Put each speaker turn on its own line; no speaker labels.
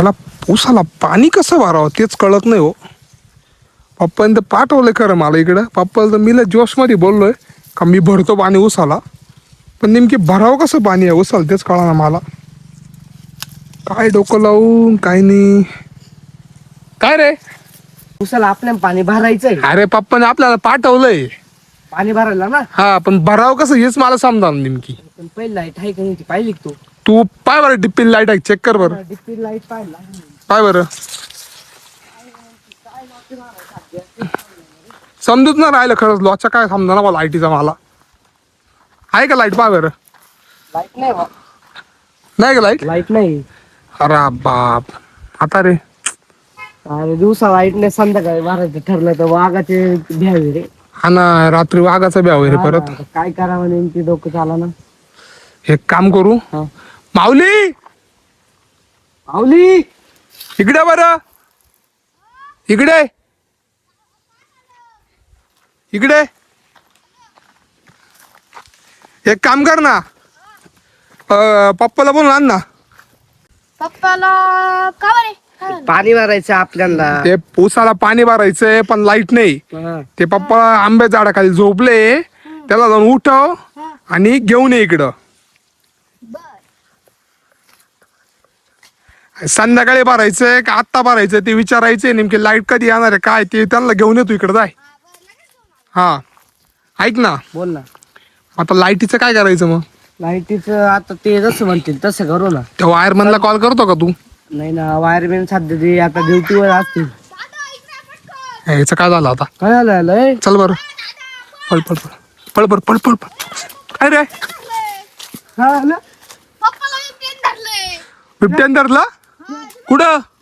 मला ऊसाला पाणी कसं भरावं तेच कळत नाही हो. पप्पाने तर पाठवलंय खरं मला इकडं. पप्पाला तर मी जोशमध्ये बोललोय का मी भरतो पाणी ऊसाला, पण नेमकी भरावं कसं पाणी आहे ऊसाला तेच कळा ना मला. काय डोकं लावून काय नाही. काय रे?
उसाला आपल्याला पाणी भरायचंय.
अरे पप्पाने आपल्याला पाठवलंय
पाणी भरायला ना.
हा, पण भरावं कसं हेच मला समजा नेमकी.
पण पहिली लाईट आहे का नाही ती पाहिली का तू?
तू पाय बरं डिप्पी लाईट आहे चेक कर बरं.
डिप्पी लाईट पाहिला.
पाय बरं. समजूच ना राहिलं खरंच लॉच्या काय समजा ना लाईटीचा मला. आहे का लाईट? पाय बरं.
लाईट नाही बा.
नाही का लाईट?
लाईट नाही.
अरे बाप. आता रे
अरे दिवसा लाईट नाही, संध्याकाळी भरायचं ठरलं तर वाघाचे भ्यावे रे.
हा ना, रात्री वाघाचा ब्याव आहे रे परत.
आता काय करावं नेमकी डोकं चाला ना.
एक काम करू.
हा.
माऊली
माऊली
इकडे बरं. इकडे इकडे. एक काम कर ना, पप्पाला बोलून आण ना.
पप्पाला का बरे काय झालं?
पाणी भरायचं आपल्याला.
ते ऊसाला पाणी भरायचंय पण लाईट नाही.
हा.
ते पप्पा आंबे झाडाखाली झोपले, त्याला जाऊन उठव आणि घेऊन ये इकडं. संध्याकाळी भरायचंय का आत्ता भरायचंय ते विचारायचंय. नेमकी लाईट कधी येणार आहे काय ते त्यांना घेऊन येतो इकडं. जाय. हा ऐक ना,
बोल ना.
आता लाईटीचं काय करायचं मग?
लाईटीचं आता ते जसं म्हणतील तसं करू ना.
त्या वायरमॅनला कॉल करतो का तू?
नाही ना, वायरमॅन सध्या ते आता ड्युटीवर असतील.
ह्याचं काय झालं आता?
काय झालं?
चल बरं. पळ पळ पळ पळ बर पळ पळ पळ. काय रे?
हा ना.
पप्पाला मी पेन धरलंय.
बिबट्यान धरला? कुठं?